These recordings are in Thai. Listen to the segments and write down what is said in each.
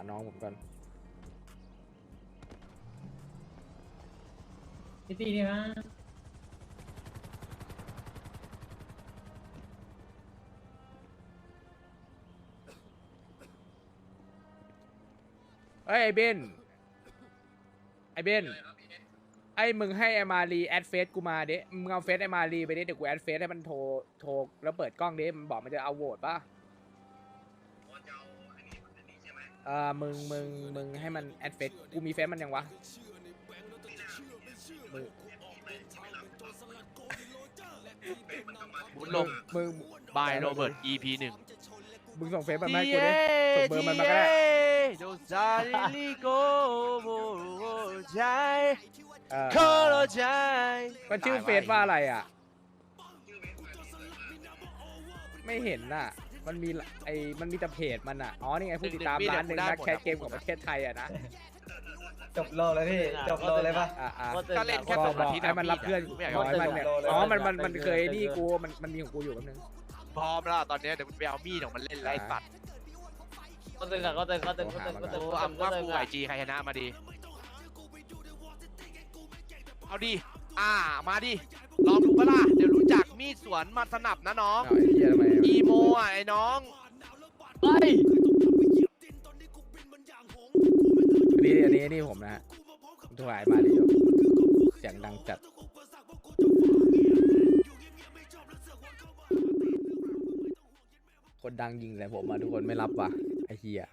น้องผมก่อนพี่ตีนี่นะเฮ้ยไอ้เบนไอ้เบนไอ้มึงให้ไอ้มารีแอดเฟซกูมาดิมึงเอาเฟซไอ้มารีไปดิเดี๋ยวกูแอดเฟซให้มันโทรแล้วเปิดกล้องดิมันบอกมันจะเอาโหวตป่ะมึงให้มันแอดเฟซกูมีเฟซมันยังวะมึงบุญลมมึงบายโรเบิร์ต EP 1 มึงส่งเฟซมันมาให้กูดิส่งเบอร์มันมาก็ได้โดซาลิโกโบใจเอโคอโรใจมันชื่อเฟซว่าอะไรอ่ะไม่เห็นน่ะมันมีมันมีแต่เพจมันอ่ะอ๋อนี่ไงผู้ติดตามล้านหนึ่งนักแคสเกมของประเทศไทยอ่ะนะจบโลแล้วพี่จบโลเลยปะก็เล่นแค่บสออก งบอาอกทิตย์ให้มันรับเพื่อนไม่อยากบอกให้มันเนี่ยอ๋อมันเออเคยนี่กูมันมีของกูอยู่แป๊บนึงพร้อมแล้วตอนนี้เดี๋ยวไปเอามีดของมันเล่นไล่สัตว์ก็ตึงอะก็ตึงก็ตึงก็ตึงก็ตึงโอ้อัมว่ากูไอจีใครชนะมาดีเอาดิมาดิลองดูปะล่ะเดี๋ยวรู้จักมีดสวนมาสนับนะน้องเอาไอ้เหี้ยทำไมอีโมอ่ะไอ้น้องเฮ้ยอันนี้ผมนะฮะผมถ่ายมาดิเสียงดังจัดคนดังยิงเลยผมมาทุกคนไม่รับว่ะไอ้เหี้ย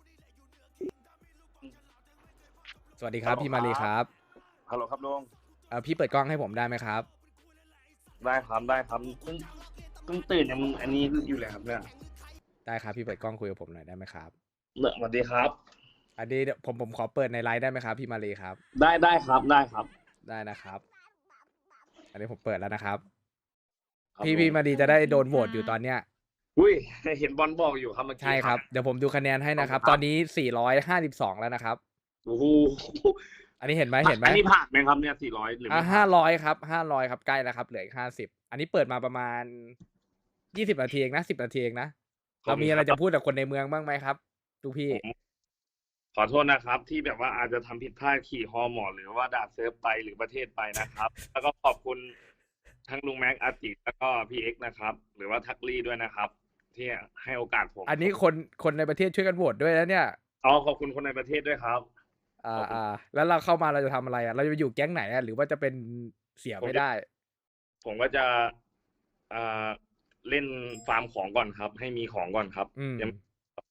สวัสดีครับพี่มารีครับฮัลโหลครับลุงพี่เปิดกล้องให้ผมได้ไหมครับได้ครับเพิ่งตื่นยังอันนี้อยู่เลยครับเนี่ยได้ครับพี่เปิดกล้องคุยกับผมหน่อยได้ไหมครับสวัสดีครับอันนี้เดี๋ยวผมขอเปิดในไลฟ์ได้ไหมครับพี่มารีครับได้ครับได้นะครับ อันนี้ผมเปิดแล้วนะครับครับพี่ลุงมารีจะได้โดนโหวตอยู่ตอนเนี้ยอุ้ยเห็นบอลบอกอยู่ครับเมื่อกี้ใช่ครับเดี๋ยวผมดูคะแนนให้นะครับ ตอนนี้452แล้วนะครับโอ้โหอันนี้เห็นไหมอันนี้ผ่านไหมครับเนี่ย400หรือไม่ผ่าน 500ครับ500ครับใกล้แล้วครับเหลืออีก50อันนี้เปิดมาประมาณ20นาทีเองนะ10นาทีเองนะเรามีอะไรจะพูดกับคนในเมืองบ้างไหมครับทุกพี่ขอโทษนะครับ ที่แบบว่าอาจจะทำผิดพลาดขี่ฮอหมอหรือว่าด่าเซิร์ฟไปหรือประเทศไปนะครับ แล้วก็ขอบคุณทั้งลุงแม็กอาติแล้วก็พี่เอ็กซ์นะครับ หรือว่าทักลี่ด้วยนะครับ ที่ให้โอกาสผมอันนี้คนในประเทศช่วยกันโหวตด้วยนะเนี่ยขอบคุณคนในประเทศด้วยครับแล้วเราเข้ามาเราจะทำอะไรอ่ะเราจะไปอยู่แก๊งไหนอ่ะหรือว่าจะเป็นเสียไม่ได้ผมก็จะเล่นฟาร์มของก่อนครับ ให้มีของก่อนครับอืม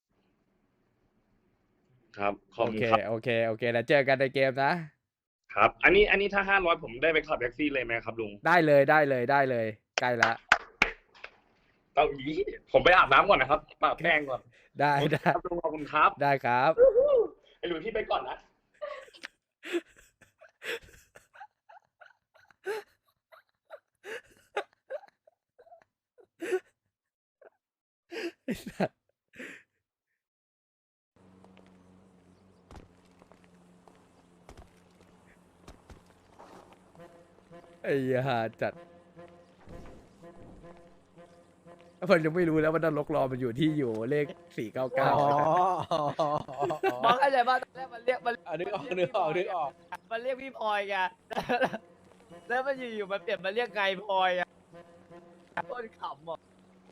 ครับขอบโอคุณเคครับโอเคแล้วเจอกันในเกมนะครับอันนี้ถ้า500ผมได้ไปขับแท็กซี่เลยไหมครับลุงได้เลยใกล้แล้วเอาอย่างนี้ผมไปอาบน้ำก่อนนะครับปะแป้งก่อนได้ครับลุงขอบคุณครับได้ครับไอ้หลุยพี่ไปก่อนนะไอ้สัสไอ้ห่าจัดผมยังไม่รู้แล้วว่านรกรอมันอยู่ที่อยู่เลข499 มองอะไรบ้างตอนแรกมันเรียกมันนึกออกมันเรียกพี่พลอยไงแล้วมันอยู่ๆมันเปลี่ยนมาเรียกไงพลอยอ่ะโคตรขำอ่ะ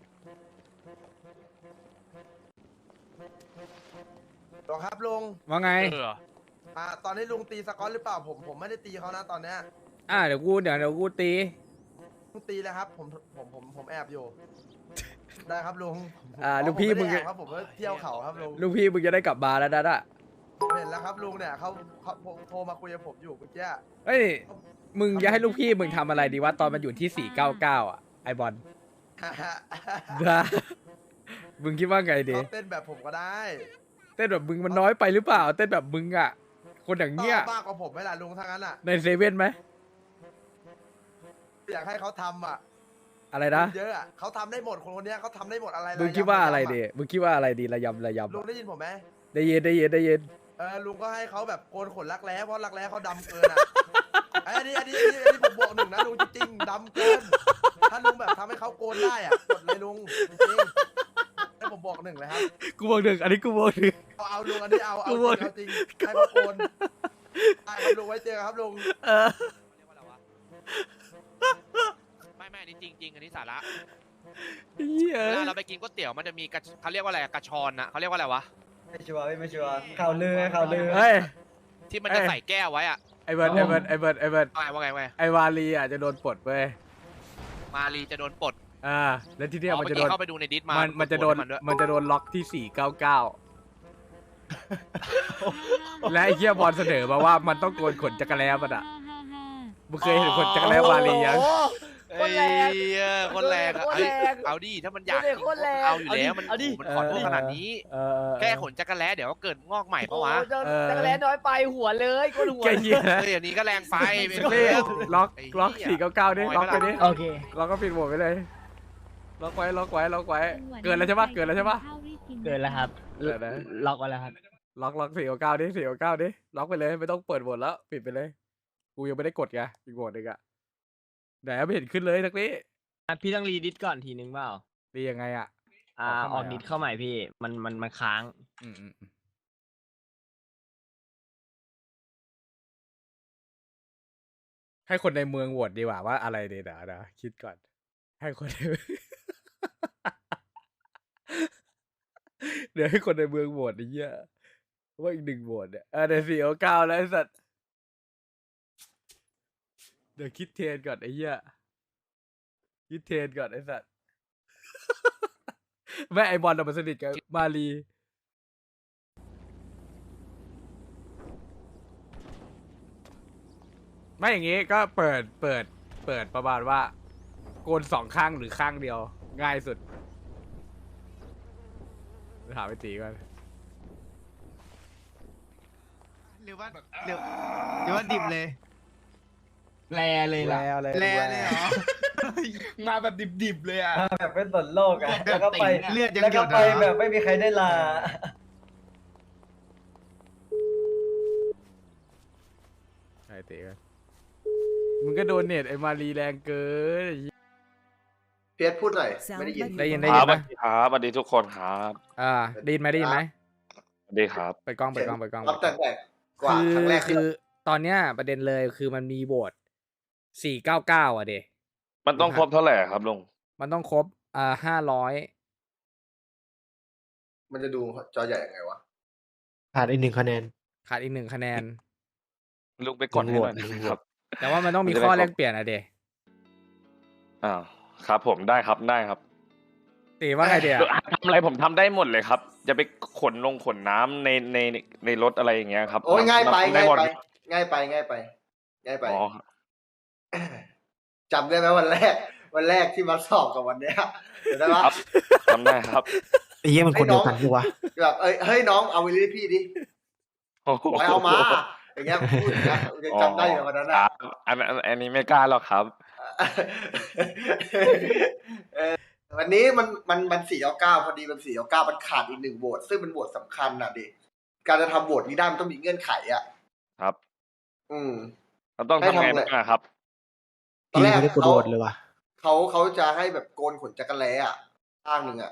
หรอครับลุงว่าไงตอนนี้ลุงตีสกอตหรือเปล่าผมไม่ได้ตีเขานะตอนเนี้ยเดี๋ยวกูตีลุงตีแล้วครับผมแอบอยู่ ได้ครับลุงลูกพี่มึงไได้แอบครับผมก็เที่ยวเขาครับลุงลูกพี่มึงจะได้กลับมาแล้วนะเห็นแล้วครับลุงเนี่ยเขาโทรมาคุยกับผมอยู่เมื่อกี้เฮ้ยมึงจะให้ลูกพี่มึงทำอะไรดีวะตอนมันอยู่ที่499อ่ะไอบอลนะมึงคิดว่าไงดีเขาเต้นแบบผมก็ได้เต้นแบบมึงมันน้อยไปหรือเปล่าเต้นแบบมึงอ่ะคนอย่างเงี้ยมากกว่าผมไหมล่ะลุงทั้งนั้นอ่ะในเซเว่นไหมอยากให้เขาทำอ่ะอะไรนะเยอะอ่ะเขาทำได้หมดคนเนี้ยเขาทำได้หมดอะไรมึงคิดว่าอะไรดียมึงคิดว่าอะไรดีระยำลุงได้ยินผมไหมได้ยินลุงก็ให้เขาแบบโกนขนรักแร้เพราะรักแร้เขาดำเกินอ่ะ อันนี้ผมบวก1นะลุงจริงๆดำเกิน ถ้าลุงแบบทำให้เขาโกนได้อ่ะกดเลยลุงจริงๆให้ผมบอก1เลยครับกูบอกหนึ่งอันนี้กูบอกหนึ่งเอาลุงอันนี้เอาจริงเอาจริงให้พระโกนได้ครับลุงไว้เจอครับลุงเออเรียกว่าอะไรวะไม่อันนี้จริงอันนี้สาระเหี้ยเวลาเราไปกินก๋วยเตี๋ยวมันจะมีเขาเรียกว่าอะไรกระชอนนะเขาเรียกว่าอะไรวะไม่ชัวร์ไม่ชัวร์ข่าวลือข่าวลือเฮ้ยที่มันจะใส่แก้วไว้อะไอเบิร์ดไอเบิร์ดไอเบิร์ดไอเบิร์ดว่าไงไอวาลีอ่ะจะโดนปลดเว้ยมารีจะโดนปลดแล้วที่เนี้ยมันเมื่จะอโดกี้นเข้าไปดูในดิสมามัมันจะโดนด้วยมันจะโดนล็อกที่ 499 และไอ้เหี้ยบอลเสนอมาว่ามันต้องโกนขนจักรแล้มันอ่ะมึงเคยเห็นขนจักรแล้วาลียังคนแรงคนแรงอะคนเอ้ยแรงเอาดิถ้ามันอยากดูดิคนแรงเอาอยู่แล้วมันเอาดิมันขอโทษขนาดนี้ แค่ขนจักรแล้เดี๋ยวก็เกิดงอกใหม่ปะวะจักรแล้น้อยไปหัวเลยก้นหัวแกเหี้ยเฮ้ยอันนี้ก็แรงไปไม่เล่เล่นล็อก499ดิล็อกไปดิโอเคล็อกก็ปิดโหมดไปเลยล็อกไว้เกินแล้วใช่ปะเกินแล้วใช่ปะเกินแล้วครับเกินนะล็อกไว้แล้วครับล็อก499ดิล็อกไปเลยไม่ต้องเปิดโหมดแล้วปิดไปเลยกูยังไม่ได้กดไงอีกโหมดหนึ่งอะไหนไม่เห็นขึ้นเลยทักนี้พี่ต้องรีดิสก่อนทีนึงเปล่าดียังไงอะออกดิสเข้าใหม่พี่ มันค้างอืมให้คนในเมืองโหวตดีกว่าว่าอะไรดีนะคิดก่อน ให้คนใน เดี๋ยวให้คนในเมืองโหวตไอ้เหี้ยว่าอีก1โหวตเนี่ยเดี๋ยว499แล้วไอ้สัตว์เดี๋ยวคิดเทรนก่อนไอ้เหี้ยคิดเทรนก่อนไอ้สัตว์ แม่ไอบอลมันสนิทกับมารีไม่อย่างงี้ก็เปิดประมาณว่าโกน2ข้างหรือข้างเดียวง่ายสุดถามไปตีก่อนหรือว่าดิบเลยแลเลยล่ะแร่เลยเหรอ มาแบบดิบๆเลยอ่ะแบบเป็นสนโลกอ่ะ แล้วก็ไปเลือดยังแล้วหยก็ดไปเหรอแบบไม่มีใครได้ลาใช่เตะกันมึงก็โดนเน็ตไอ้มารีแรงเกินเพียรพูดหน่อยไม่ได้ยินได้ยินครับไหมสวัสดีทุกคนครับได้ยินไหมสวัสดีครับเปิดกล้องรับแต่กว่าครั้งแรกที่คือตอนเนี้ยประเด็นเลยคือมันมีโหวต499อ่ะเดมันต้องครบเท่าไหร่ครับลุงมันต้องครบ500 มันจะดูจอใหญ่ยังไงวะขาดอีก1 คะแนนขาดอีก1 คะแนนลุงไปกดให้หน่อยนะครับแต่ว่ามันต้องมีข้อแลกเปลี่ยนอ่ะเดครับผมได้ครับตีว่าไงเดียทำอะไรผมทำได้หมดเลยครับจะไปขนน้ำในรถอะไรอย่างเงี้ยครับโอ้ยง่ายไปได้ง่ายหมดไปง่ายไปง่ายไปง่ายไปอ๋อจำได้ไหมวันแรกที่มาสอบกับวันเนี้ยเห็นได้ปะครับทำได้ครับไอ้เหี้ยมันคนเดียวกันดีวะแบบเฮ้ยน้องเอาวิลลี่พี่ดิโอ้โหไปเอามาอย่างเงี้ยพูดอย่างเงี้ยยังจำได้อยู่วันนั้นคอะรับอันนี้ไม่กล้าหรอกครับวันนี้มัน499พอดีมัน499มันขาดอีก1โหวตซึ่งเป็นโหวตสำคัญน่ะดิการจะทำโหวตนี้ได้มันต้องมีเงื่อนไขอ่ะครับเราเราต้องทำไงบ้างอะครับตอนแรกไม่ได้กดโหวตเลยวะเขาจะให้แบบโกนขนจักรแล้อ่ะข้างหนึ่งอ่ะ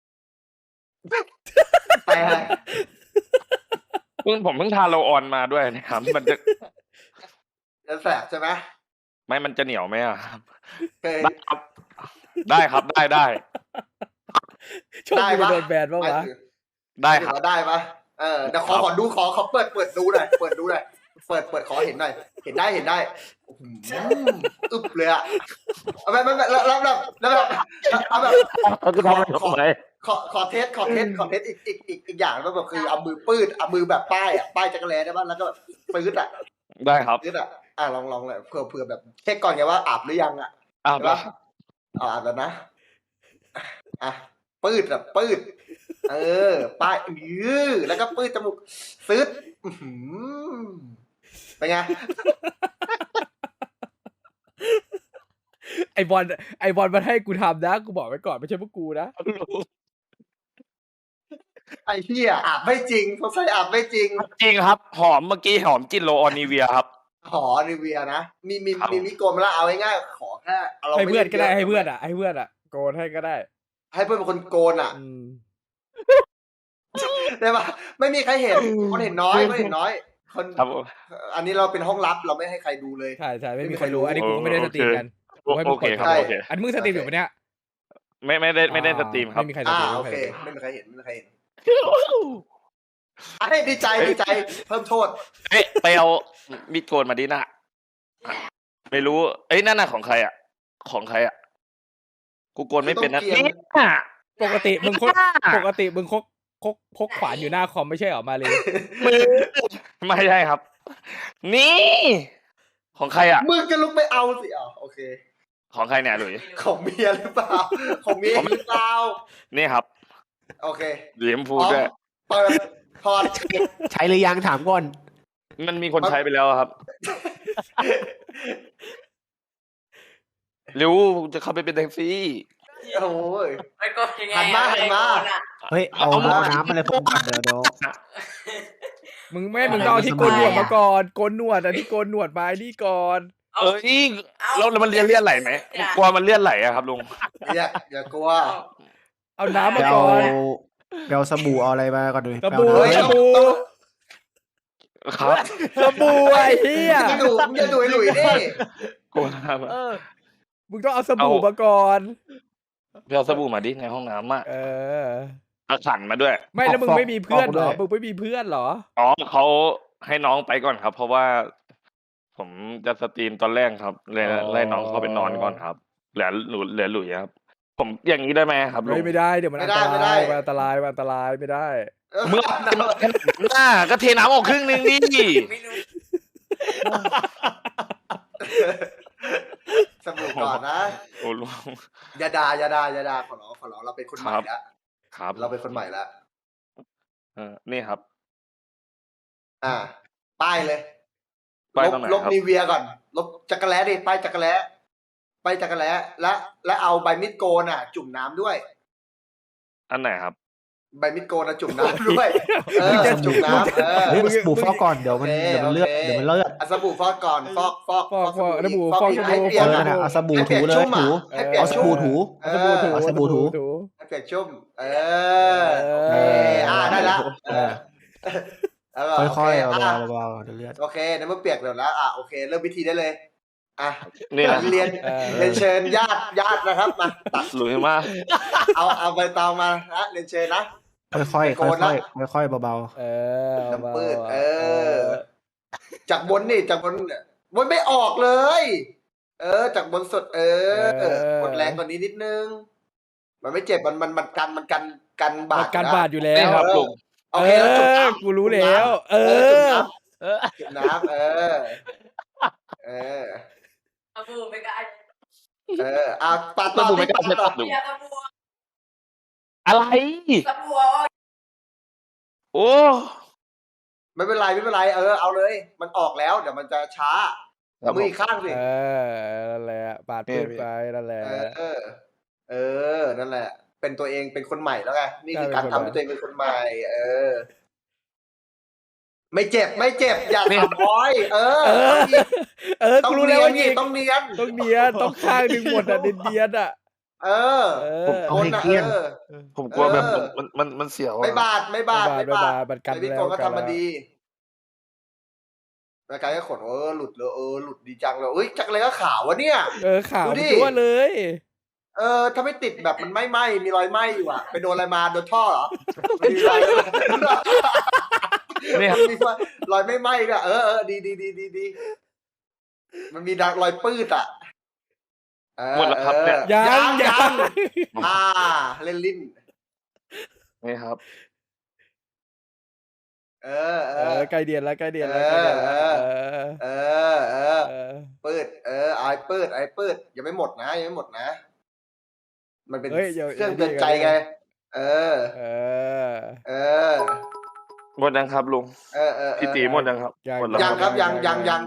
ไปฮะผมเพิ่งทาโลออนมาด้วยนะครับ มันจะจะแสบใช่ไหมไม่มันจะเหนียวไหมอะครับเคยได้ครับได้โชคดีไปโดนแบนปะวะได้ครับได้ปะเดี๋ยวขอดูขอเปิดดูหน่อยเปิดขอเห็นหน่อยเห็นได้อึบเลยอ่ะเอาแบบแล้วเอาแบบเขาจะทำอะไรทำไมขอเทสอีกอย่างแล้วแบบคือเอามือปืดเอามือแบบป้ายจักรแลได้ป่ะแล้วก็ปืดอ่ะได้ครับปืดอ่ะลองเลยเผื่อแบบเช็คก่อนไงว่าอาบหรือยังอ่ะอ้าวใช่ปะอาบแล้วนะปืดป้ายแล้วก็ปืดจมูกซึดเป็นไงไอบอลมันให้กูทำนะกูบอกไว้ก่อนไม่ใช่พวกกูนะไอ้เหี้ยอาบไม่จริงเขาใส่อาบไม่จริงจริงครับหอมเมื่อกี้หอมจินโลออนิเวียครับหอนิเวียนะมีมิโกนมาแล้วเอาง่ายๆขอแค่าให้เพื่อนก็ได้ม่ให้เพื่อนอ่ะโกนให้ก็ได้ให้เพื่อนเป็นคนโกนอ่ะได้ปะไม่มีใครเห็นคนเห็นน้อยคนเห็นน้อย คนครับผมอันนี้เราเป็นห้องลับเราไม่ให้ใครดูเลยใช่ใช่ไม่มีใครรู้อันนี้กูก็ไม่ได้สตรีมกันโอกูให้โอมึงเคเปิดครับใช่โอเคอันมึงสตรีมอยู่ปะเนี่ยไม่ได้สตรีมครับไม่มีใครสตรีมโอไม่เคมีใครสตรีมไม่มีใครเห็นไม่มีใครเห็นไอ้ดีใจเพิ่มโทษเอ๊ะไปเอามีดโกนมาดิน่ะไม่รู้เอ้ยนั่นน่ะของใครอ่ะของใครอ่ะกูโกนไม่เป็นนะต้องเกลียดเนี่ยปกติมึงพกขวานอยู่หน้าคอมไม่ใช่เหรอมาเลยมือไม่ใช่ครับ นี่ ของใครอ่ะมึงก็ลุกไปเอาสิโอเคของใครเนี่ยหลุยของเมียหรือเปล่าของเมียหรือเปล่านี่ครับโอเคเหลี่ยมพูดด้วยเปิดถอดใช้หรือยังถามก่อนมันมีคนใช้ไปแล้วครับเร็วจะเข้าไปเป็นแท็กซี่โอ้ยไม่ก็ยังไงหันมาเฮ้ยเอาน้ำอะไรผมก่อนเดี๋ยวมึงต้องเอาที่โกนหนวดมาก่อนโกนหนวดอันที่โกนหนวดมาไอ้นี่ก่อนเอ้ยแล้วมันเลื่อนไหลไหมกลัวมันเลื่อนไหลอะครับลุงอย่ากลัวเอาน้ำมาเดี๋ยวก่อนเดี๋ยวสบู่เอาอะไรมาก่อนดูสบู่เฮ้ยสบู่ครับสบู่ไอ้เหี้ยมึงอย่าดูไอ้หลุยดิกลัวครับมึงต้องเอาสบู่มาก่อนไปเอาสบู่มาดิในห้องน้ำอ่ะ เอาขันมาด้วยไม่แล้วมึงไม่มีเพื่อนเหรอมึงไม่มีเพื่อนเหรออ๋อเขาให้น้องไปก่อนครับ เพราะว่า ผมจะสตรีมตอนแรกครับเลยไล่น้องเขาไปนอนก่อนครับเหลือหลุยครับ ผมอย่างนี้ได้ไหมครับลุงไม่ได้เดี๋ยวมันอันตรายมันอันตรายไม่ได้เมื่อหน้าก็เทน้ำออกครึ่งนึงดิไม่รู้สบู่ก่อนนะโอ้ลุงอย่าด่าขอร้องเราเป็นคนใหม่แล้วครับเราเป็นคนใหม่แล้วนี่ครับป้ายเลยป้ายตรงไหนลบครับนีเวียก่อนลบจักรแล้ดิป้ายจักรแล้และเอาใบมิดโกนจุ่มน้ำด้วยอันไหนครับใบมิดโกนจุ่มน้ำด้วยจุ่มน้ำเฮ้ยสบู่ฟอกก่อนเดี๋ยวมันเลือดสบู่ฟอกก่อนฟอกสบู่ฟอกให้เปลี่ยนเอาสบู่ถูเลยถูให้เปลี่ยเอานสชุ่บู่มถูเอาสบู่ถูให้เปลี่ยนชุ่มได้ละค่อยๆเบาๆเดี๋ยวเลือดโอเคในเมื่อเปียกแล้วนะโอเคเริ่มพิธีได้เลยนี่นะเรียนเชิญญาตินะครับมาตัดหลุยมากเอาใบตองมาเรียนเชิญนะค่อยๆเบาน้ำปืดจากบนไม่ออกเลย จากบนสุดกดแรงกว่านี้นิดนึง มันไม่เจ็บมันกันบาดกันบาดอยู่แล้นี่วครับลุงโอเคแล้วจุ่มน้ำกูรู้แล้วจุ่มน้ำเอาบูไปกันปาดสบู่ไม่กล้าใช้ตัดลุงเบียร์สบู่อะไรสบู่โอ้ไม่เป็นไรเอาเลย มันออกแล้วเดี๋ยวมันจะช้ามืออีกข้างสินั่นแหละปาดปืนไปนั่นแหละนั่นแหละ เป็นตัวเองเป็นคนใหม่แล้วไงนี่คือการทำให้ตัวเองเป็นคนใหม่ ไม่เจ็บอย่าทำร้อยกูรู้แล้วว่านี่ต้องเนียนต้องข้างหนึ่งหมดเนียนๆเอาให้เกลี้ยงผมกลัวแบบมันเสียวไม่บาดมันกันไอ้พี่แล้โกวก็ทำมาดีรายการก็ขนหลุดเลยหลุดดีจังเลยจักรเลยก็ขาววะเนี่ยข่าวตัวเลยถ้าไม่ติดแบบมันไม่ไหม้มีรอยไหม้อยู่ไปโดนอะไรมาโดนท่อเหรอมีรอยนี่ครับมีรอยไม่ไหม้ก็ดีมันมีรอยปื้ดหมดแล้วครับเนี่ยยังเล่นลิ้นนี่ครับใกล้เดียนแล้วปื้ดไอ้ปื้ดยังไม่หมดนะมันเป็นเครื่องเตือนใจไงหมดยังครับลุงพี่ตีหมดยังครับหมดแล้วยังครับยัง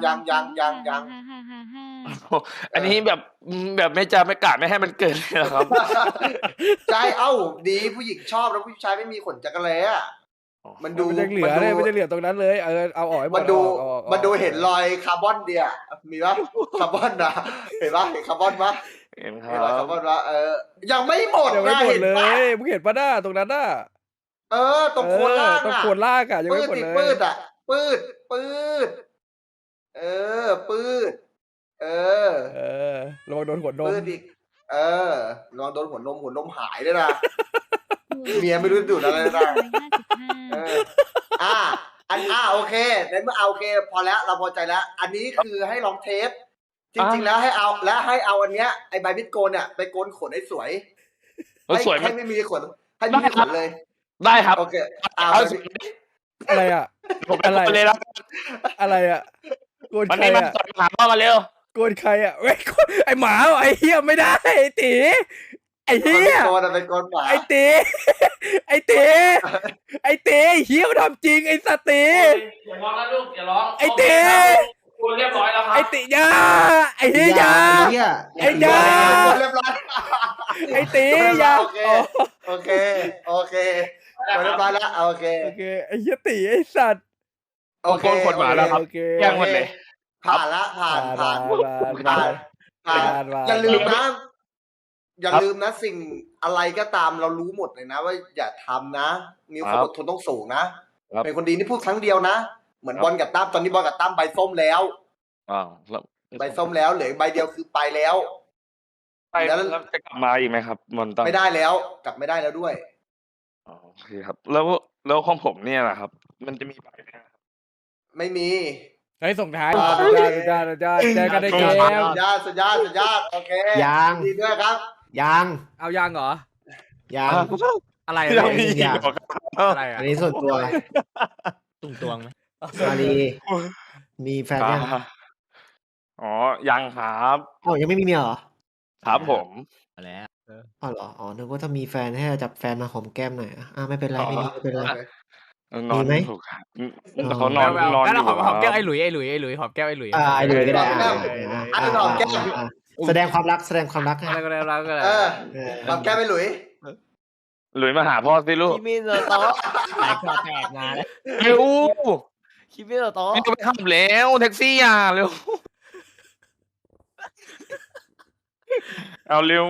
อันนี้แบบไม่จะไม่กะไม่ให้มันเกิดเลยนะครับใช่ดีผู้หญิงชอบแล้วผู้ชายไม่มีขนจักรแล้มันดูมันจะเหลือเลยมันจะเหลือตรงนั้นเลยเอาออกให้หมดมันดูเห็นรอยคาร์บอนเดียมีปะคาร์บอนนะเห็นปะเห็นคาร์บอนปะเห็นคเห็นรอยรัคาบร์บอนปะยังไม่หมดยังไม่นะหมดเห็นเลปะยมึงเห็นปะหน้าตรงนั้นน่ะตรงโคนล่างตรงอ่ะโคนล่างอะยังปืไม่ดหมดติเลยปืดอ่ะปืดปืดปืดระวังโดนหัวนมปืดอีกลองโดนหัวนมหายด้วยนะ เมียไม่รู้ดูดอะไรนะโอเคในเมื่อโอเค พอแล้วเราพอใจแล้ว อันนี้คือให้ลองเทป จริงๆแล้วให้เอาอันเนี้ยไอใบมิดโกนเนี่ยไปโกนขนให้สวยสวยให้ไม่มีขนให้ไม่มีขนเลยได้ครับโอเคอะไรอะผมเป็นคนเลยแล้วอะไรอะโกนวันใครนี้มาอะสอนถามพ่อมาเร็วโกนใครอะเว้ยไอหมาไอเหี้ยไม่ได้ไอตีไอเหี้ยเป็นโกนหมาไอตีไอตีไอตีเหี้ยมันทำจริงไอสตีอย่าร้องนะลูกอย่าร้องไอตีคุณเรียบร้อยแล้วครับไอตียาไอเหี้ยยา ไอ้ยาเรียบร้อยไอตียาโอเคเรียบร้อยแล้วโอเคโอเคไอเหี้ยตีไอสัตว์โอเคโกนขนหมาแล้วครับโอเคแย่งหมดเลยผ่านละผ่าน อย่าลืมนะสิ่งอะไรก็ตามเรารู้หมดเลยนะว่าอย่าทำนะมีความอดทนต้องสูงนะเป็นคนดีนี่พูดครั้งเดียวนะเหมือนบอลกับตั้มตอนนี้บอลกับตั้มใบส้มแล้วใบส้มแล้วเหลือใบเดียวคือไปแล้วแล้วจะกลับมาอีกไหมครับมอนตันไม่ได้แล้วกลับไม่ได้แล้วด้วยโอเคครับ แล้วของผมเนี่ยนะครับ มันจะมีใบไหมครับไม่มีให้ส่งท้ายสุดยอดเจอกันในเกมสุดยอดโอเคยังดีด้วยครับยังเอายังเหรอยังอะไรยังมียังอะไรอะอันนี้ส่วนตัวตุ่งตวงไหมมาดีมีแฟนยังอ๋อยังครับอ๋อยังไม่มีเมียเหรอครับผมมาแล้วอ๋อเหรออ๋อนึกว่าถ้ามีแฟนให้จับแฟนมาหอมแก้มหน่อยไม่เป็นไรไม่มีไม่เป็นไรนอนมีไหมถูกครับแต่เขานอนนอนงั้นอเรายู่หอมแก้วคไอ้รับหลุยหอมแก้วไอ้หลุยไอ้เลยก็ได้หอมแก้มแสดงความรักให้อะไรก็ได้เราก็ได้หอมแก้มไปหลุยหลุยมาหาพ่อสิลูกคิมิโนโตะแตกคอแตกมาแล้วเร็วคิมิโนโตะไม่ต้องไปขับแล้วแท็กซี่อ่ะเร็วเอาเร็ว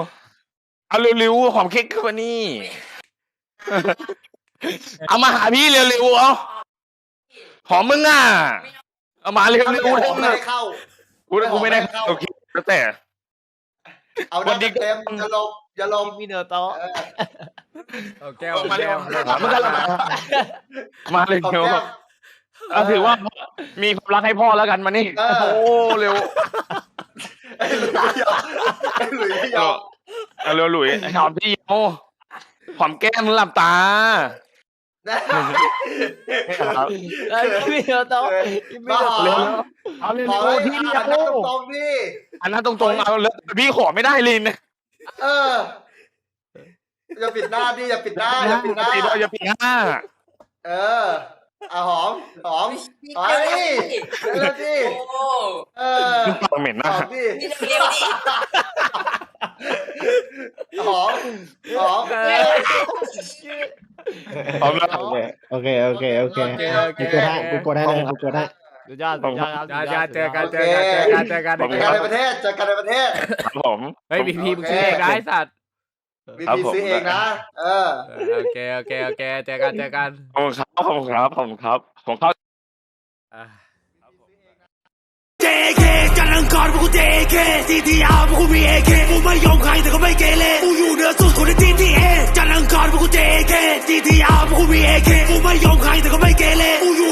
หอมเค้กขึ้นมานี่เอามาหาพี่เร็วๆเอาหอมมึงอ่ะเอามาเร็วไม่ได้เข้ากูไม่ได้เข้าโอเคแล้วแต่เอาหน้าเต็มอย่าลงคิมิโนโตะเอาแก้วมาเร็แก้ววมันก็มาเร็วเอาถือว่ามีความรักให้พ่อแล้วกันมานี่โอ้เร็วไอ้หลุยไม่ยอมเอาเร็วหลุยหอมพี่โอ้หอมแก้มมึงหลับตาคิมิโนโตะคิมิโนเร็วโตะเอาเร็วขอพี่ให้โอ้ตรงนี่อันนั้นตรงๆเอาเลยพี่ขอไม่ได้ลินอย่าปิดหน้าดิอย่าปิดหน้าอย่าปิดหน้าอย่าปิดหน้าหอมเฮ้ยแล้วดิโอ้ปากเหม็นหมากอมดินี่จะเรียกดิหอมพร้อมแล้วโอเคกูกดให้เลยกูกดให้สุดยอดครับเจอกันในประเทศครับผมเฮ้ยพีมึงชื่อเองนะไอ้สัตว์บีพีซื้อเองนะโอเคเจอกันผมครับผมเข้า JK จันทร์อังคารพวกกู JK TTR พวกกูมี AK กูไม่ยอมใครแต่ก็ไม่เกเรกูอยู่เหนือสุดคนใน TTA จันทร์อังคารพวกกู JK TTR พวกกูมี AK กูไม่ยอมใครแต่ก็ไม่เกเรกูอยู่